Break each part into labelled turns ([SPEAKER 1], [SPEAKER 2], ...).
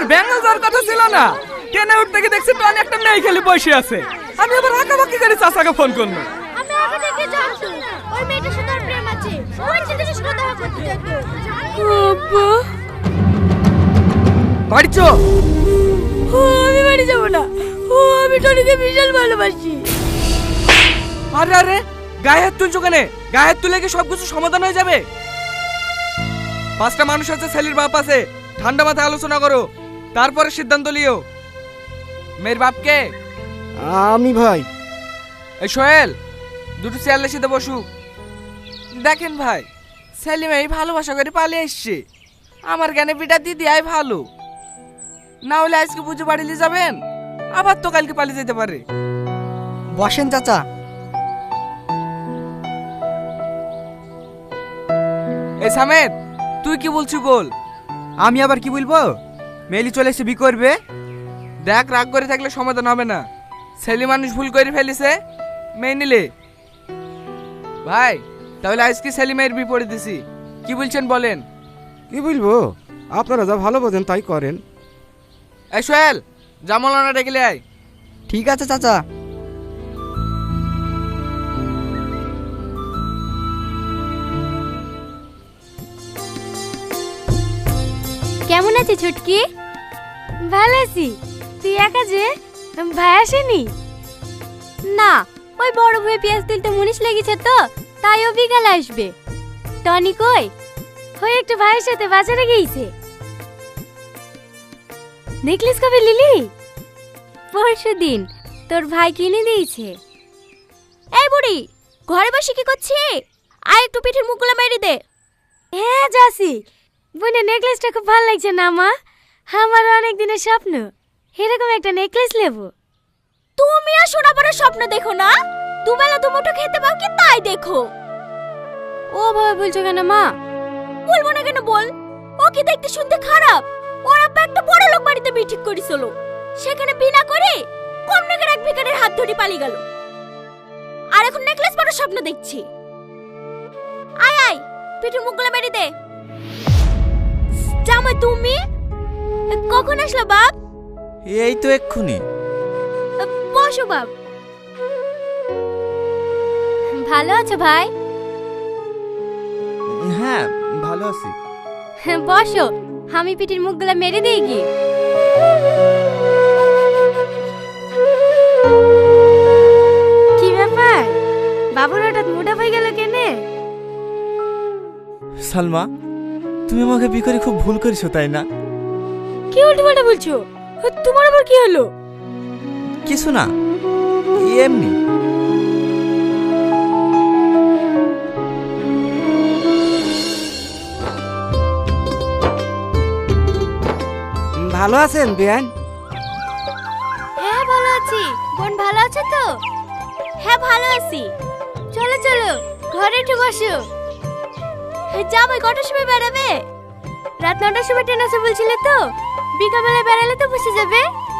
[SPEAKER 1] আমার ব্যাঙ্গাল যাওয়ার কথা ছিল না, ট্রেনে উঠতে গিয়ে দেখছি টনি একটা মেয়ে খেলে বসে আছে। আমি আবার আঁকাবাকি করে চাচাকে ফোন করলাম।
[SPEAKER 2] আমি আগে থেকে জানতো ওই মেয়েটার সাথে ওর প্রেম আছে, ওই ছেলেটার সাথে দেখা করতে যেত।
[SPEAKER 3] আব্বা,
[SPEAKER 1] বাড়ি চ।
[SPEAKER 3] আমি বাড়ি যাবো না, আমি টনিকে বিশাল ভালোবাসি।
[SPEAKER 1] আরে আরে, গায়ে হাত তুলছো কেন? গায়ে হাত তুলে কি সবকিছু সমাধান হয়ে যাবে? পাঁচটা মানুষ আছে, ছেলের বাপ আছে, ঠান্ডা মাথায় আলোচনা করো, তারপরে সিদ্ধান্ত লিও। মেয়ের বাপকে?
[SPEAKER 4] আমি ভাই।
[SPEAKER 1] এই সোহেল, দুটো চেয়ারলে সিধে বসু। দেখেন ভাই, সেলিম এই ভালোবাসা করে পালিয়ে এসছে। আমার জ্ঞানে বিটা দিদি আয় ভালো, না হলে আজকে পুজো বাড়িলে যাবেন, আবার তো কালকে পালিয়ে যেতে পারে।
[SPEAKER 4] বসেন চাচা।
[SPEAKER 1] এই সামেদ, তুই কি বলছিস বল।
[SPEAKER 4] আমি আবার কি বলবো? মেলি চলে এসে বি করবে।
[SPEAKER 1] দেখ, রাগ করে থাকলে সমাধান হবে না। ছেলে মানুষ ভুল করে ফেলিছে, মেয়ে নিলে। ভাই, তাহলে আজকে সেলিমের বিপরীত দিছি, কি বলছেন বলেন?
[SPEAKER 5] কি বলবো, আপনারা যা ভালো বোঝেন তাই করেন।
[SPEAKER 1] এই সোহেল, জামালানা ডেকে আয়।
[SPEAKER 4] ঠিক আছে চাচা।
[SPEAKER 2] কেমন আছে ছুটকি? ভালো আছি। তুই একা যে, ভাই আসেনি? না, ওই বড় ভাই পেঁয়াজ তুলতে মুনিশ লেগেছে তো, তাই ও বিকালে আসবে। টনি কই? ওই একটু ভাইয়ের সাথে বাজারে গিয়েছে। নেকলেস কবে লিলি? পরশু দিন তোর ভাই কিনে দিয়েছে। এই বুড়ি, ঘরে বসে কি করছি? আয় একটু পিঠের মুখগুলো মেরে দে। হ্যাঁ যাসি। বোনের নেকলেসটা খুব ভালো লাগছে না মা? আমার অনেক দিনের স্বপ্ন এরকম একটা নেকলেস নেব। তুমি আর সোনা পরার স্বপ্ন দেখো না, দুবেলা দুমুঠো খেতে পাও কি তাই দেখো। ও ভাবে বলছো কেন মা? বলবো না কেন বল? ও কি দেখতে শুনতে খারাপ? ওর আব্বা একটা বড় লোক বাড়িতে বিয়ে ঠিক করেছিল, সেখানে বিনা করে কম টাকার এক ভিখারির হাত ধরে পালিয়ে গেল, আর এখন নেকলেস পরার স্বপ্ন দেখছি। আয় আয়, পিঠের মুখগুলো মেরে দে। জামাই তুমি কখন আসলো বাপ?
[SPEAKER 4] এই তো এক্ষুনি।
[SPEAKER 2] বসো বাপ। ভালো আছো ভাই?
[SPEAKER 4] হ্যাঁ, ভালো আছি।
[SPEAKER 2] বসো, আমি পিঠের মুখগুলো মেরে দিই কি? কি ব্যাপার, বাবুর হঠাৎ মোটা হয়ে গেল কেনে?
[SPEAKER 4] সালমা, তুমি আমাকে বিয়ে করে খুব ভুল করেছো তাই না?
[SPEAKER 3] কি উল্টোপাল্টা বলছো? তোমার আবার কি হলো?
[SPEAKER 4] কিছু না, এমনি।
[SPEAKER 5] ভালো আছেন বিয়ান?
[SPEAKER 2] হ্যাঁ ভালো আছি। বোন ভালো আছে তো? হ্যাঁ ভালো আছি। চলো চলো, ঘরে একটু বসো। জামাই কটার সময় বেরাবে? রাত 9টার সময় ট্রেন আছে বলছিলে তো, বিকালবেলা বেরালে তো বসে যাবে।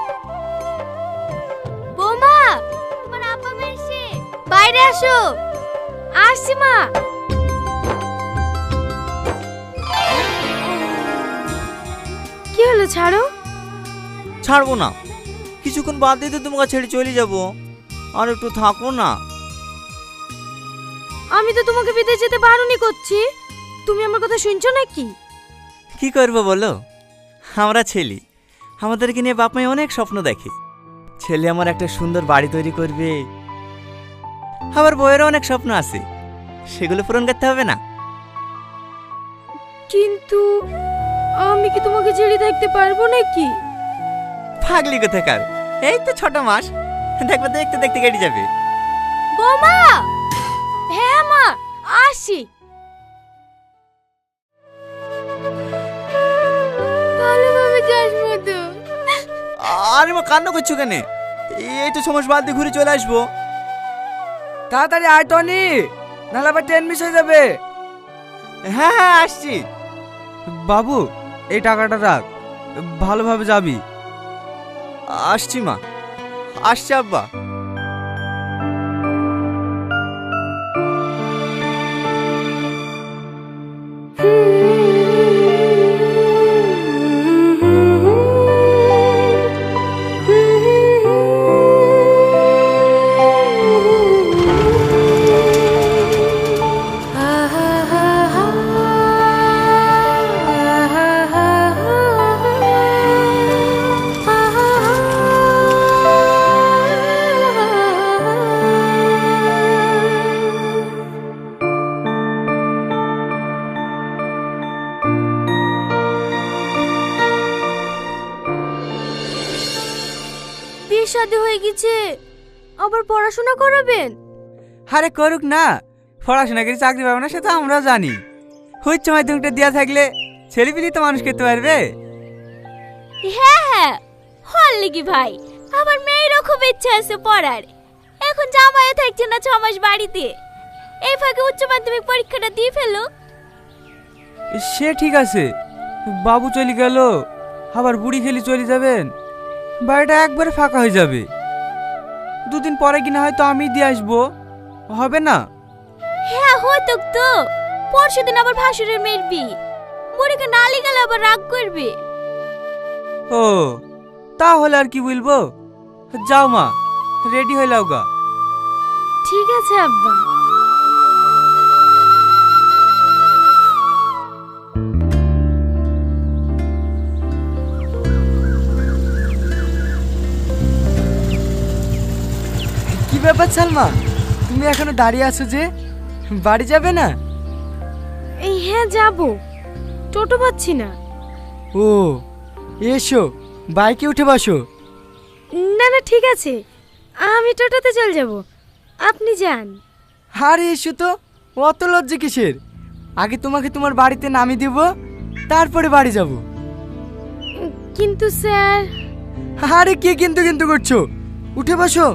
[SPEAKER 2] বৌমা, তোমার আব্বা এসে, বাইরে আসো। আসছি মা।
[SPEAKER 3] কি হলো, ছাড়ো।
[SPEAKER 4] ছাড়বো না, কিছুক্ষণ বাদ দিয়ে তো তোমাকে ছেড়ে চলে যাবো, আর একটু থাকো না।
[SPEAKER 3] আমি তো তোমাকে বিদেশ যেতে বারণই করছি, তুমি আমার কথা শুনছো নাকি?
[SPEAKER 4] কি করবো বলো, আমরা ছেলে, আমাদেরকে নিয়ে বাপ মাই অনেক স্বপ্ন দেখে। ছেলে আমার একটা সুন্দর বাড়ি তৈরি করবে, আবার বইয়েরও অনেক স্বপ্ন আছে, সেগুলো পূরণ করতে হবে না?
[SPEAKER 3] কিন্তু আমি কি তোমাকে ছেড়ে থাকতে পারবো নাকি?
[SPEAKER 4] পাগলি কোথাকার, এই তো 6 মাস, দেখবে দেখতে দেখতে কেটে যাবে।
[SPEAKER 2] বৌমা। হ্যাঁ মা, আসি।
[SPEAKER 3] ভালোভাবে যাস মধু।
[SPEAKER 4] আরে মা, কান্না করছো কেন? এই তো 6 মাস বাদ দিয়ে ঘুরে চলে আসবো।
[SPEAKER 1] তাড়াতাড়ি আয় টনি, নাহলে আবার ট্রেন মিস হয়ে যাবে।
[SPEAKER 4] হ্যাঁ হ্যাঁ, আসছি।
[SPEAKER 1] বাবু, এই টাকাটা রাখ, ভালোভাবে যাবি।
[SPEAKER 4] আসছি মা, আসছি আব্বা।
[SPEAKER 3] শাদী হয়ে গেছে, আবার পড়াশোনা করাবেন?
[SPEAKER 1] আরে করুক না, পড়াশোনা করে চাকরি পাবে না সে তো আমরাও জানি। উচ্চ মাধ্যমিকটা দেওয়া থাকলে ছেলেপিলি তো মানুষ করতে পারবে।
[SPEAKER 2] হ্যাঁ হ্যাঁ, হল লিগি ভাই, আমার মেয়েরও খুব ইচ্ছা আছে পড়ার। এখন জামাইও থাকছে না 6 মাস বাড়িতে, এই ফাঁকে উচ্চ মাধ্যমিক পরীক্ষাটা দিয়ে ফেলো।
[SPEAKER 1] সে ঠিক আছে, বাবু চলে গেল, আবার বুড়ি খেলি চলে যাবেন, বাড়িটা একবারে ফাঁকা হয়ে যাবে। দুদিন পরে কিনা হয়তো আমি দিয়ে আসবো, হবে না?
[SPEAKER 2] হ্যাঁ হতো তো, পরশুদিন আবার ভাসুরের মেয়ের বিয়ে, বুড়িকে নালি গেলে আবার রাগ করবে।
[SPEAKER 1] ও তাহলে আর কি বলবো, যাও মা, রেডি হয়ে লাও গা।
[SPEAKER 3] ঠিক আছে আব্বা।
[SPEAKER 1] কি ব্যাপার সালমা, তুমি এখনো দাঁড়িয়ে আছো যে, বাড়ি যাবে না?
[SPEAKER 3] এই হ্যাঁ যাব, টোটো পাচ্ছি না।
[SPEAKER 1] ও এসো, বাইকে উঠে বসো।
[SPEAKER 3] না না ঠিক আছে, আমি টোটোতে চলে যাব, আপনি যান।
[SPEAKER 1] আরে এসো তো, অত লজ্জা কিসের? আগে তোমাকে তোমার বাড়িতে নামিয়ে দেব, তারপরে বাড়ি যাব।
[SPEAKER 3] কিন্তু স্যার।
[SPEAKER 1] আরে কে কিন্তু কিন্তু করছো, উঠে বসো।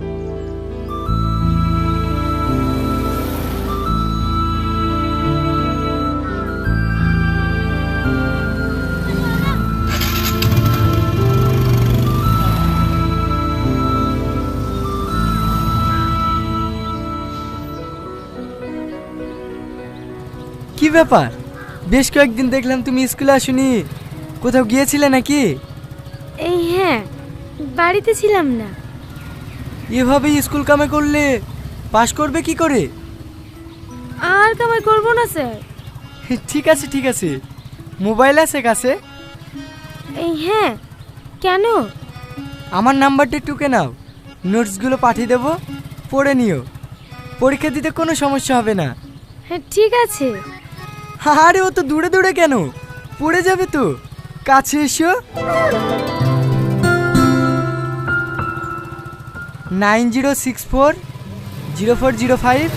[SPEAKER 1] কি ব্যাপার, বেশ কয়েকদিন দেখলাম তুমি স্কুলে আসোনি, কোথাও গিয়েছিলে নাকি?
[SPEAKER 3] এই হ্যাঁ, বাড়িতে ছিলাম না।
[SPEAKER 1] এভাবে স্কুল কামে করলে পাশ করবে কি করে?
[SPEAKER 3] আর কামাই করবো না স্যার।
[SPEAKER 1] ঠিক আছে ঠিক আছে, মোবাইল আছে কাছে?
[SPEAKER 3] এই হ্যাঁ, কেন?
[SPEAKER 1] আমার নাম্বারটা টুকে নাও, নোটসগুলো পাঠিয়ে দেবো, পড়ে নিও, পরীক্ষা দিতে কোনো সমস্যা হবে না।
[SPEAKER 3] হ্যাঁ ঠিক আছে।
[SPEAKER 1] আরে ও তো দূরে দূরে কেন, পড়ে যাবে তো, কাছে এসো। 90640405।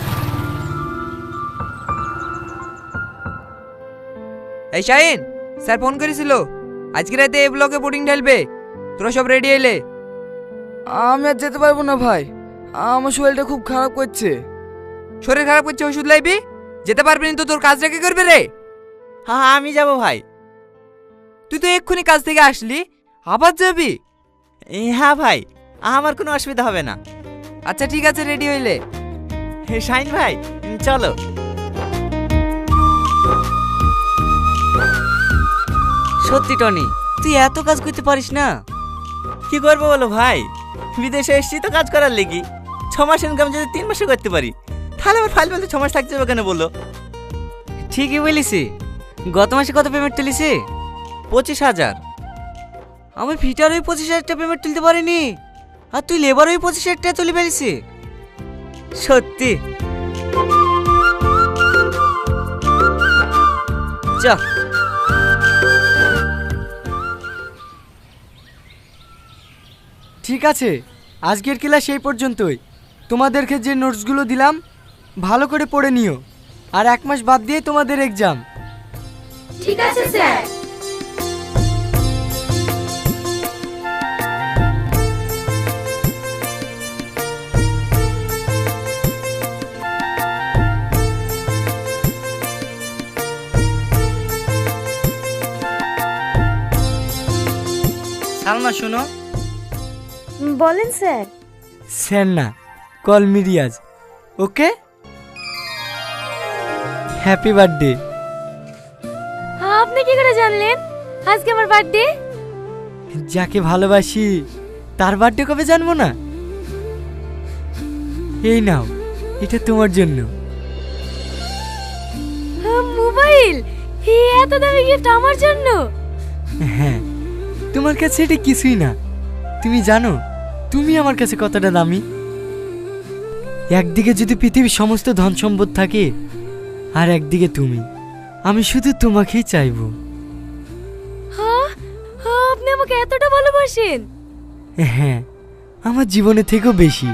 [SPEAKER 6] এই শাহিন, স্যার ফোন করেছিল, আজকে রাতে এই ব্লকে বোর্ডিং ঢালবে, তোরা সব রেডি এলে?
[SPEAKER 1] আমি আর যেতে পারবো না ভাই, আমার শরীরটা খুব খারাপ করছে।
[SPEAKER 6] শরীর খারাপ করছে, ওষুধ লাইবি, যেতে পারবি না তো তোর কাজটা কি করবে রে?
[SPEAKER 4] হ্যাঁ আমি যাব ভাই।
[SPEAKER 6] তুই তো এক্ষুনি কাজ থেকে আসলি, আবার যাবি?
[SPEAKER 4] হ্যাঁ ভাই, আমার কোনো অসুবিধা হবে না।
[SPEAKER 6] আচ্ছা ঠিক আছে, রেডি হইলে।
[SPEAKER 4] শাইন ভাই চলো।
[SPEAKER 1] সত্যি টনি, তুই এত কাজ করতে পারিস না?
[SPEAKER 4] কি করবো বলো ভাই, বিদেশে এসেছি তো কাজ করার লেগে। 6 মাস ইনকাম যদি 3 মাসে করতে পারি, তাহলে আমার ফাইল বলতে 6 মাস থাকতে হবে কেন বলো?
[SPEAKER 1] ঠিকই বলিসি, গত মাসে কত পেমেন্ট তুলিসি?
[SPEAKER 4] 25,000।
[SPEAKER 1] আমি ফিটার ওই 25,000 টাকা পেমেন্ট তুলতে পারিনি, আর তুই লেবার ওই 25,000 টাকা তুলে ফেলিসি। সত্যি চ। ঠিক আছে, আজকের ক্লাস এই পর্যন্তই। তোমাদেরকে যে নোটসগুলো দিলাম ভালো করে পড়ে নিও, আর 1 মাস বাদ দিয়ে তোমাদের এক্সাম।
[SPEAKER 3] ঠিক আছে স্যার।
[SPEAKER 1] সালমা শোনো।
[SPEAKER 3] বলেন স্যার।
[SPEAKER 1] স্যার না, call me Riyaz, okay? Happy birthday.
[SPEAKER 3] আপনি কি করে জানলেন আজকে আমার বার্থডে?
[SPEAKER 1] যাকে ভালোবাসি তার বার্থডে কবে জানবো না? এই নাও, এটা তোমার জন্য।
[SPEAKER 3] মোবাইল? এত দামি গিফট আমার জন্য?
[SPEAKER 1] হ্যাঁ, তোমার কাছে এটা কিছুই না, তুমি জানো তুমি আমার কাছে কতটা দামি। একদিকে যদি পৃথিবীর সমস্ত ধন সম্পদ থাকে, আর একদিকে তুমি, আমি শুধু তোমাকেই চাইবো।
[SPEAKER 3] হ্যাঁ, আপনি আমাকে এতটা ভালোবাসেন?
[SPEAKER 1] হ্যাঁ,
[SPEAKER 7] আমার জীবনের থেকেও বেশি।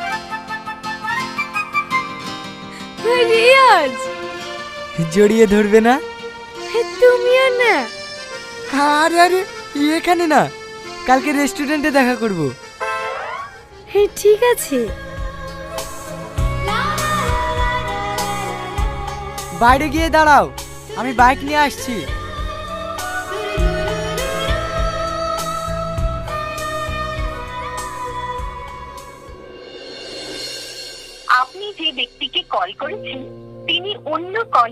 [SPEAKER 3] রিয়াজ,
[SPEAKER 7] জড়িয়ে ধরবে না?
[SPEAKER 3] তুমিও না?
[SPEAKER 7] আরে আরে, এখানে না, কালকে রেস্টুরেন্টে দেখা করব।
[SPEAKER 3] ঠিক আছে।
[SPEAKER 7] বাইরে গিয়ে দাঁড়াও, আমি বাইক নিয়ে আসছি।
[SPEAKER 8] আপনি যে ব্যক্তিকে কল করেছেন তিনি অন্য কল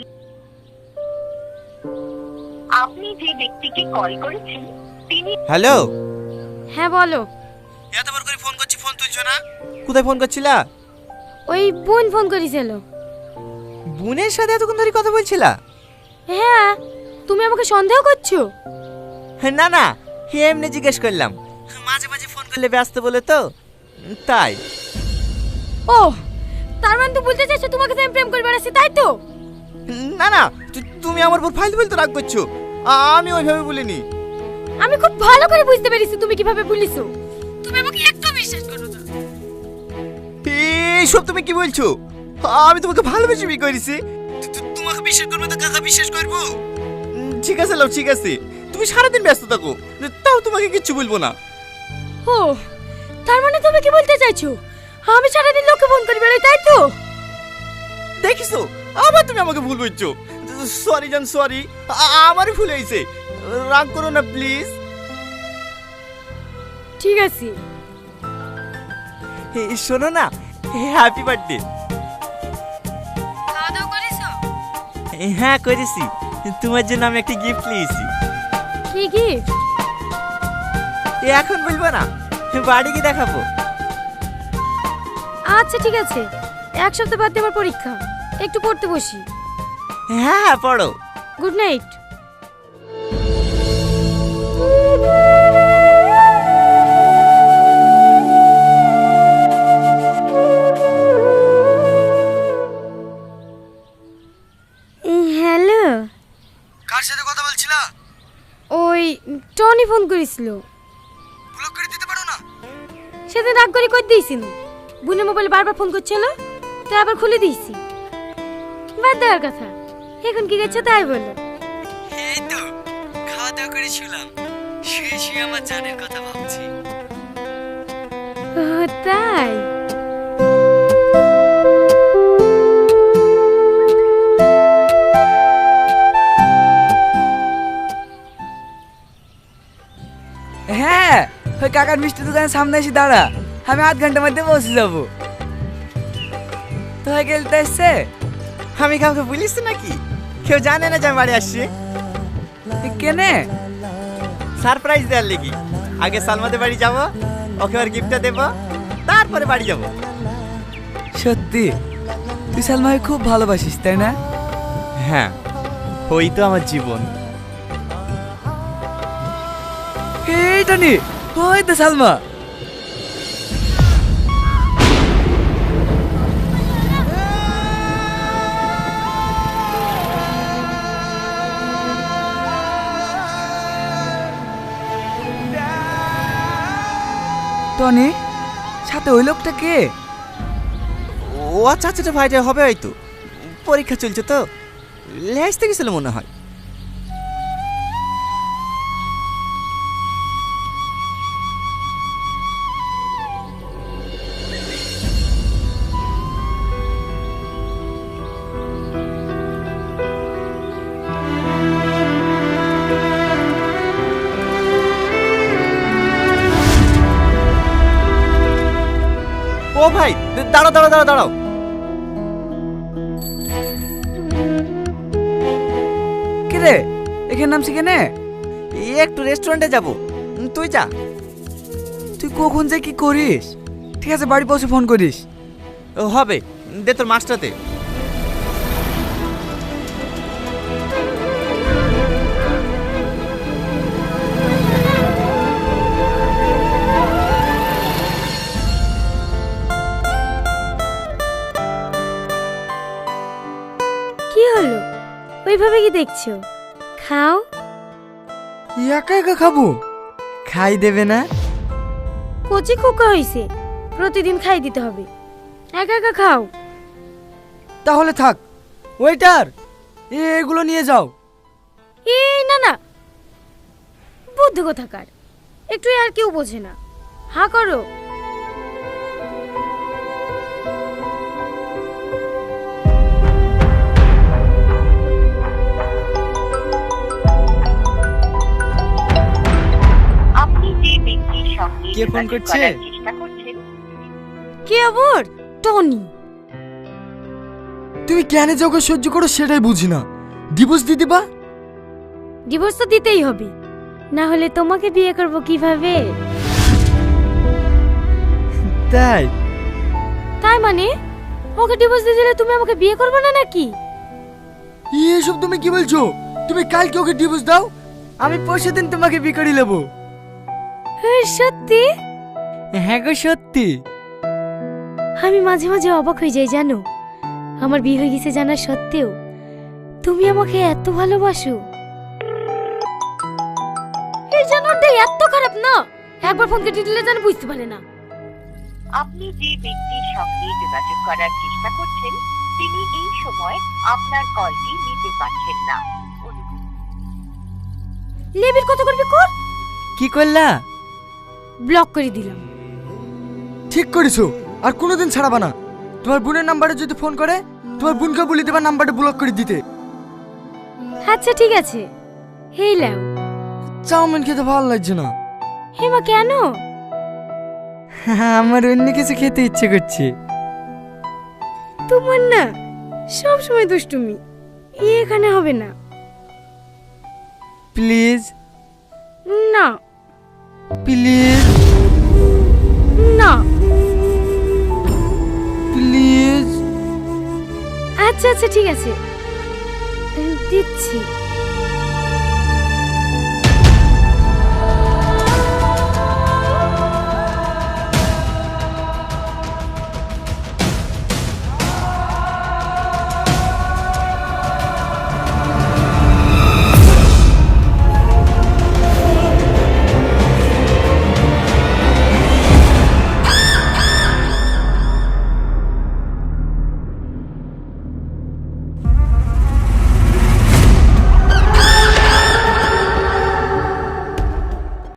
[SPEAKER 8] আপনি যে ব্যক্তিকে কল করেছেন তিনি
[SPEAKER 4] হ্যালো,
[SPEAKER 3] হ্যাঁ বলো।
[SPEAKER 4] এতবার করে ফোন করছি, ফোন তুলছো না। কোথায় ফোন করছিলা?
[SPEAKER 3] ওই বোন ফোন করেছিল।
[SPEAKER 4] বোনের সাথে এতক্ষণ ধরে কথা বলছিলা?
[SPEAKER 3] হ্যাঁ, তুমি আমাকে সন্দেহ করছো?
[SPEAKER 4] না না, এমনি জিজ্ঞেস করলাম। মাঝে মাঝে ফোন করলে ব্যস্ত বলে তো, তাই।
[SPEAKER 3] ও, তার মানে তো বলতে চাইছো তোমাকে তো আমি প্রেম করে বেড়াচ্ছি, তাই তো?
[SPEAKER 4] না না, তুমি আমার উপর ফাইল বলতে রাগ করছো। আমি ওইভাবে বলিনি।
[SPEAKER 3] আমি খুব ভালো করে বুঝতে পেরেছি তুমি কিভাবে বলিছো। তুমি আমাকে একটু বিশ্বাস করো না।
[SPEAKER 4] এইসব তুমি কি বলছো? আমি তোমাকে ভালোবেসে বিয়ে করেছি। তোমাকে বিশ্বাস করবো তো কাকা বিশ্বাস করবো? ঠিক আছে লাও, ঠিক আছে, তুমি সারাদিন ব্যস্ত থাকো, তাও তোমাকে কিচ্ছু বলবো না।
[SPEAKER 3] ও, তার মানে তুমি কি বলতে চাইছো আমি সারাদিন লোককে ফোন করে বেড়াই, তাই তো?
[SPEAKER 4] দেখিছো, আবার তুমি আমাকে ভুল বলছো। সরি জান, সরি, আমারই ভুল হয়েছে, রাগ করো না প্লিজ।
[SPEAKER 3] ঠিক আছে।
[SPEAKER 4] শোনো না, হ্যাপি বার্থডে।
[SPEAKER 3] খাওয়া দাওয়া করেছো?
[SPEAKER 4] হ্যাঁ করেছি, তোমার জন্য আমি একটা গিফট নিয়েছি।
[SPEAKER 3] কি গিফট?
[SPEAKER 4] এখন বলবো না, বাড়ি গিয়ে দেখাবো।
[SPEAKER 3] আচ্ছা ঠিক আছে, এক সপ্তাহ বাদে আমার পরীক্ষা, একটু পড়তে বসি।
[SPEAKER 4] হ্যাঁ হ্যাঁ, পড়ো।
[SPEAKER 3] Good night. হ্যালো,
[SPEAKER 7] কার সাথে কথা বলছিলা?
[SPEAKER 3] ওই টনি ফোন করেছিল।
[SPEAKER 7] ব্লক করে দিতে পারো না?
[SPEAKER 3] সেদিন রাগ করে কই দিয়েছিল, বোনের মোবাইলে বারবার ফোন করছিল, তাই আবার খুলে দিয়েছি। বাদ দেওয়ার কথা, এখন কি গেছে তাই বলো।
[SPEAKER 7] এই তো খাওয়া দাওয়া করে শুলাম, শুয়ে শুয়ে আমার জানের কথা ভাবছি।
[SPEAKER 3] ও তাই?
[SPEAKER 1] হ্যাঁ, ওই কাকার মিষ্টি দোকানের সামনে এসে দাঁড়া, আমি আধ ঘন্টার মধ্যে পৌঁছে যাবো। তো হয়ে গেলতে এসছে?
[SPEAKER 4] আমি কাউকে বলিস নাকি? কেউ জানে না যে আমি বাড়ি আসছি।
[SPEAKER 1] কেনে?
[SPEAKER 4] সারপ্রাইজ দেওয়ার লেগে। আগে সালমাদের বাড়ি যাব, ওকে আর গিফটটা দেব, তারপরে বাড়ি যাব।
[SPEAKER 1] সত্যি তুই সালমাকে খুব ভালোবাসিস, তাই না?
[SPEAKER 4] হ্যাঁ, ওই তো আমার জীবন।
[SPEAKER 1] এইটা নি, ওই তো সালমা। টনি, সাথে ওই লোকটা কে?
[SPEAKER 4] ও আচ্ছা আচ্ছা, ভাইটা হবে হয়তো, পরীক্ষা চলছে তো, লেহাজতে গেছিল মনে হয়। ও ভাই, দাঁড়াও দাঁড়াও দাঁড়াও দাঁড়াও।
[SPEAKER 1] কে রে, এখানে নামছি কেনে?
[SPEAKER 4] একটু রেস্টুরেন্টে যাব, তুই যা।
[SPEAKER 1] তুই কখন যে কি করিস? ঠিক আছে, বাড়ি পৌঁছে ফোন করিস।
[SPEAKER 4] ও হবে, দে তোর মাস্টারতে।
[SPEAKER 3] কি হলো, ওইভাবে কি দেখছো? খাও।
[SPEAKER 1] একা একা খাবো?
[SPEAKER 7] খাই দেবে না?
[SPEAKER 3] কচি খোকা হয়েছে, প্রতিদিন খাই দিতে হবে। একা একা খাও।
[SPEAKER 9] তাহলে থাক। ওয়েটার, এগুলো নিয়ে যাও।
[SPEAKER 3] এই না না, বুদ্ধি কোথাকার, একটু আর কেউ বোঝে না। হা করো।
[SPEAKER 8] আপনি যে ব্যক্তির সঙ্গে
[SPEAKER 9] কে ফোন
[SPEAKER 8] যোগাযোগ
[SPEAKER 9] করছে?
[SPEAKER 8] করার চেষ্টা করছেন
[SPEAKER 3] কে আবার? টনি।
[SPEAKER 9] তুমি কেন যে ওকে সহ্য করো সেটাই বুঝি না। ডিভোর্স দিয়ে দিবা?
[SPEAKER 3] ডিভোর্স তো দিতেই হবে, না হলে তোমাকে বিয়ে করব কিভাবে?
[SPEAKER 9] তাই?
[SPEAKER 3] তাই মানে ওকে ডিভোর্স দিয়ে দিলে তুমি আমাকে বিয়ে করবে না নাকি?
[SPEAKER 9] এসব তুমি কি বলছো? তুমি কালকে ওকে ডিভোর্স দাও, আমি পরশু দিন তোমাকে বিয়ে করে নেবো।
[SPEAKER 3] সত্যি?
[SPEAKER 9] হ্যাঁ গো সত্যি।
[SPEAKER 3] আমি মাঝে মাঝে অবাক হয়ে যাই জানো, আমার বিয়ে হয়ে গেছে জানা সত্ত্বেও তুমি আমাকে এত ভালোবাসো। এই জানোয়ারটা এত খারাপ না, একবার ফোন কেটে দিলে যেন বুঝতে পারে না।
[SPEAKER 8] আপনি যে ব্যক্তির সঙ্গে যোগাযোগ করার চেষ্টা করছেন তিনি এই সময় আপনার কলটি নিতে পারছেন না।
[SPEAKER 3] লেবির কত করবি কর।
[SPEAKER 9] কি করলা?
[SPEAKER 3] ব্লক করে দিলাম।
[SPEAKER 9] ঠিক করেছো, আর কোনোদিন ছাড়াবা না। তোমার বোনের নাম্বারে যদি ফোন করে তোমার বোনকে বলে দেবা নাম্বারটা ব্লক করে দিতে।
[SPEAKER 3] আচ্ছা ঠিক আছে। হেই লাও।
[SPEAKER 9] চাউমিন খেতে ভালো লাগছে না।
[SPEAKER 3] হেমা কেন?
[SPEAKER 9] আমার অন্য কিছু খেতে ইচ্ছে করছে।
[SPEAKER 3] তোমার না সব সময় দুষ্টুমি, এখানে হবে না।
[SPEAKER 9] প্লিজ
[SPEAKER 3] না
[SPEAKER 9] প্লিজ
[SPEAKER 3] না।
[SPEAKER 9] প্লিজ।
[SPEAKER 3] আচ্ছা আচ্ছা ঠিক আছে, দিচ্ছি।